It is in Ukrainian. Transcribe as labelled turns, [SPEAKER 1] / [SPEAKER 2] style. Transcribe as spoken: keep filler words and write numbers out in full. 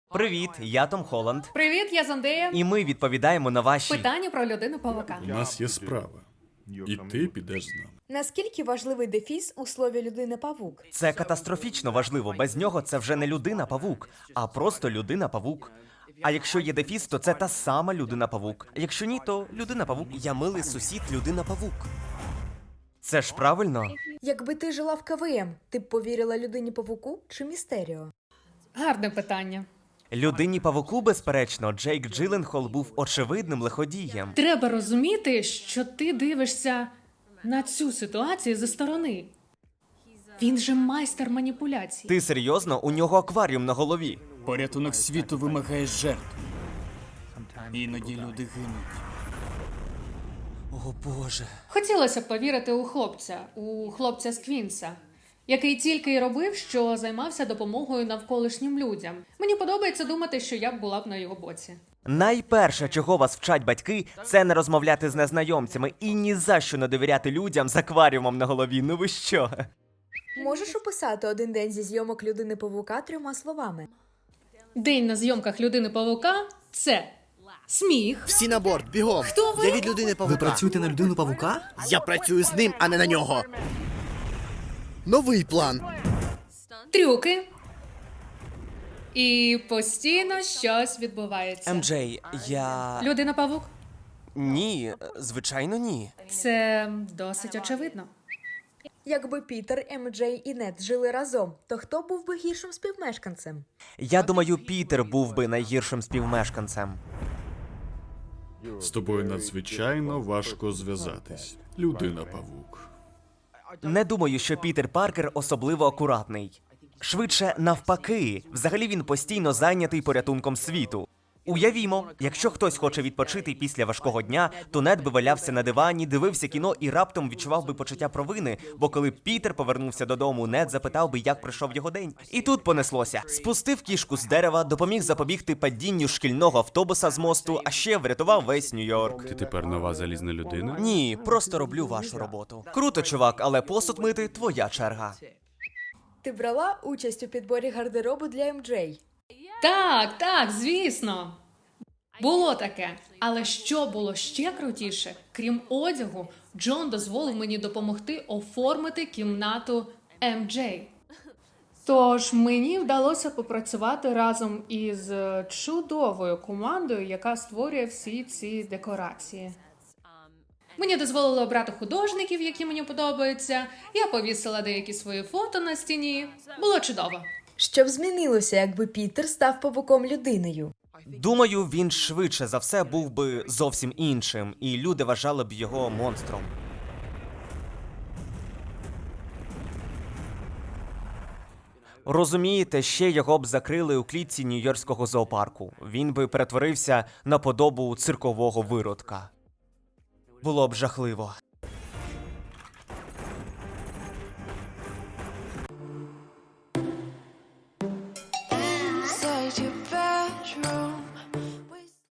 [SPEAKER 1] Привіт, я Том Холланд.
[SPEAKER 2] Привіт, я Зандея.
[SPEAKER 1] І ми відповідаємо на ваші...
[SPEAKER 2] Питання про людину-павука.
[SPEAKER 3] У нас є справа. І ти підеш з нами.
[SPEAKER 4] Наскільки важливий дефіс у слові людина-павук?
[SPEAKER 1] Це катастрофічно важливо. Без нього це вже не людина-павук, а просто людина-павук. А якщо є дефіс, то це та сама людина-павук. А якщо ні, то людина-павук. Я милий сусід людина-павук. Це ж правильно?
[SPEAKER 4] Якби ти жила в КВМ, ти б повірила людині-павуку чи Містеріо?
[SPEAKER 2] Гарне питання.
[SPEAKER 1] Людині-павуку, безперечно, Джейк Джилленхол був очевидним лиходієм.
[SPEAKER 2] Треба розуміти, що ти дивишся на цю ситуацію зі сторони. Він же майстер маніпуляцій.
[SPEAKER 1] Ти серйозно? У нього акваріум на голові.
[SPEAKER 5] Порятунок світу вимагає жертв. Іноді люди гинуть.
[SPEAKER 1] О боже.
[SPEAKER 2] Хотілося б повірити у хлопця, у хлопця з Квінса, який тільки й робив, що займався допомогою навколишнім людям. Мені подобається думати, що я б була б на його боці.
[SPEAKER 1] Найперше, чого вас вчать батьки, це не розмовляти з незнайомцями і ні за що не довіряти людям з акваріумом на голові. Ну ви що?
[SPEAKER 4] Можеш описати один день зі зйомок людини-павука трьома словами?
[SPEAKER 2] День на зйомках людини-павука – це сміх.
[SPEAKER 6] Всі на борт, бігом!
[SPEAKER 2] Хто ви?
[SPEAKER 6] Я від людини павука.
[SPEAKER 7] Ви працюєте на людину павука?
[SPEAKER 6] Я працюю з ним, а не на нього. Новий план.
[SPEAKER 2] Трюки. І постійно щось відбувається.
[SPEAKER 1] Ем Джей, я...
[SPEAKER 2] Людина-павук?
[SPEAKER 1] Ні, звичайно ні.
[SPEAKER 2] Це досить очевидно.
[SPEAKER 4] Якби Пітер, Ем Джей і Нед жили разом, то хто був би гіршим співмешканцем?
[SPEAKER 1] Я думаю, Пітер був би найгіршим співмешканцем.
[SPEAKER 3] З тобою надзвичайно важко зв'язатись. Людина-павук.
[SPEAKER 1] Не думаю, що Пітер Паркер особливо акуратний. Швидше навпаки. Взагалі він постійно зайнятий порятунком світу. Уявімо, якщо хтось хоче відпочити після важкого дня, то Нед би валявся на дивані, дивився кіно і раптом відчував би почуття провини, бо коли Пітер повернувся додому, Нед запитав би, як пройшов його день. І тут понеслося. Спустив кішку з дерева, допоміг запобігти падінню шкільного автобуса з мосту, а ще врятував весь Нью-Йорк.
[SPEAKER 3] Ти тепер нова залізна людина?
[SPEAKER 1] Ні, просто роблю вашу роботу. Круто, чувак, але посуд мити – твоя черга.
[SPEAKER 4] Ти брала участь у підборі гардеробу для Ем Джей?
[SPEAKER 2] Так, так, звісно. Було таке. Але що було ще крутіше? Крім одягу, Джон дозволив мені допомогти оформити кімнату Ем Джей. Тож мені вдалося попрацювати разом із чудовою командою, яка створює всі ці декорації. Мені дозволили обрати художників, які мені подобаються. Я повісила деякі свої фото на стіні. Було чудово.
[SPEAKER 4] Що б змінилося, якби Пітер став павуком-людиною?
[SPEAKER 1] Думаю, він швидше за все був би зовсім іншим, і люди вважали б його монстром. Розумієте, ще його б закрили у клітці Нью-Йоркського зоопарку. Він би перетворився на подобу циркового виродка. Було б жахливо.